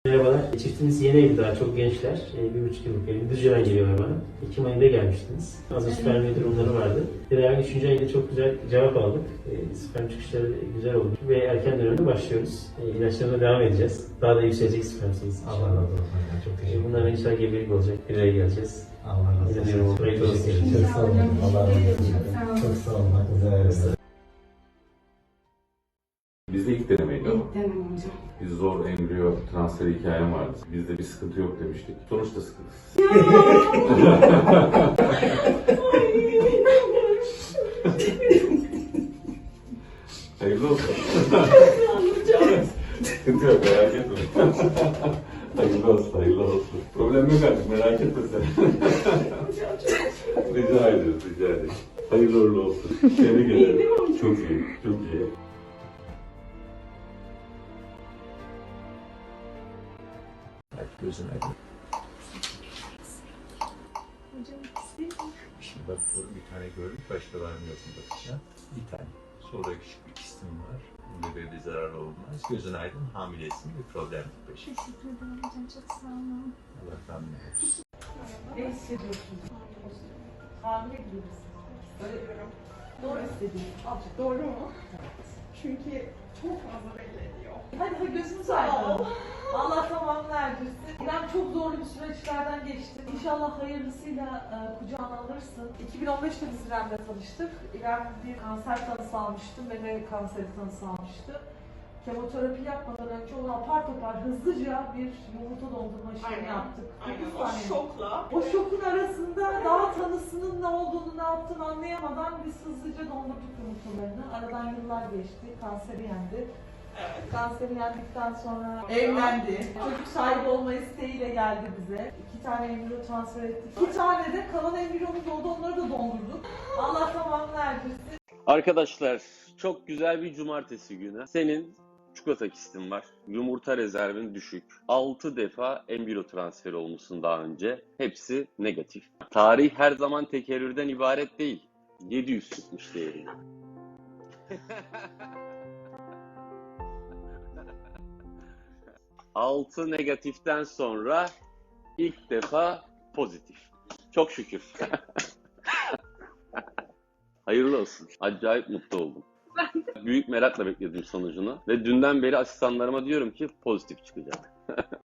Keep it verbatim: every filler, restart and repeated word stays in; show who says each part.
Speaker 1: Merhabalar. Çiftimiz yeni evli, daha çok gençler. E, bir buçuk yıllık evli. Düzce'den geliyorlar bana. Ekim ayında gelmiştiniz. Hazır sperm durumları vardı. Tedavi üçüncü ayında çok güzel cevap aldık. E, sperm çıkışları güzel oldu. Ve erken dönemde başlıyoruz. E, ilaçlarına devam edeceğiz. Daha da yükselecek sperm sayısı.
Speaker 2: Allah razı olsun. Çok teşekkür ederim.
Speaker 1: Bunların inşallah gebelik olacak. Bir araya geleceğiz.
Speaker 2: Allah razı olsun.
Speaker 1: İnanıyorum. Hayırlı olsun.
Speaker 2: Çok sağ olun. Allah razı olsun. Çok sağ olun. Hakkınızı helal olsun.
Speaker 3: Bizde ilk denemeydi ama.
Speaker 4: İlk denemem hocam.
Speaker 3: Biz zor embriyo transferi hikayem vardı. Bizde bir sıkıntı yok demiştik. Sonuçta sıkıntısız. Hayırlı olsun. Sıkıntı yok, merak etme. Hayırlı olsun, hayırlı olsun. Problem yok artık, merak etme sen. Rica ediyoruz, rica ederiz. Hayırlı uğurlu olsun. Tebrik ederim. Çok iyi, çok iyi.
Speaker 2: Gözün aydın. Şimdi bak burada bir tane gördük, başka var mı yok mu bakacağım. Bir tane. Sonra küçük bir kistim var. Bunda böyle bir zarar olmaz. Gözün aydın, hamilesin, bir problem yok peşin.
Speaker 5: Teşekkür ederim hocam, çok sağ olun.
Speaker 2: Allah rahmet eylesin.
Speaker 4: Ne hissediyorsunuz? Hamile gibi misiniz? Hissediyorum. Doğru hissediyorum. Azıcık doğru mu?
Speaker 6: Çünkü çok fazla belli ediyor.
Speaker 4: Hadi hadi gözünüzü aydın. Allah tamamını erdirsin. İrem çok zorlu bir süreçlerden geçti. İnşallah hayırlısıyla e, kucağına alırsın. iki bin on beşte biz İrem'le tanıştık. İrem bir kanser tanısı almıştı. Meme kanseri tanısı almıştı. Kemoterapi yapmadan önce onu apar topar hızlıca bir yumurta dondurma işlemi
Speaker 6: Aynen.
Speaker 4: yaptık.
Speaker 6: Aynen
Speaker 4: dokuz
Speaker 6: o
Speaker 4: saniye.
Speaker 6: şokla.
Speaker 4: O şokun arasında daha tanısının ne olduğunu, ne yaptığını anlayamadan biz hızlıca dondurduk yumurtalarını. Aradan yıllar geçti, kanseri yendi.
Speaker 6: Evet.
Speaker 4: Kanseri yendikten sonra evlendi. Çocuk sahibi olma isteğiyle geldi bize. İki tane embriyo transfer ettik. İki tane de kalan embriyomuz oldu, onları da dondurduk. Allah tamamını erdirsin.
Speaker 7: Arkadaşlar çok güzel bir cumartesi günü. Senin çikolata kistin var. Yumurta rezervin düşük. altı defa embriyo transferi olmuşsun daha önce. Hepsi negatif. Tarih her zaman tekerrürden ibaret değil. yedi yüz çıkmış değerinde. altı negatiften sonra ilk defa pozitif. Çok şükür. Hayırlı olsun. Acayip mutlu oldum. Büyük merakla bekledim sonucunu. Ve dünden beri asistanlarıma diyorum ki pozitif çıkacak.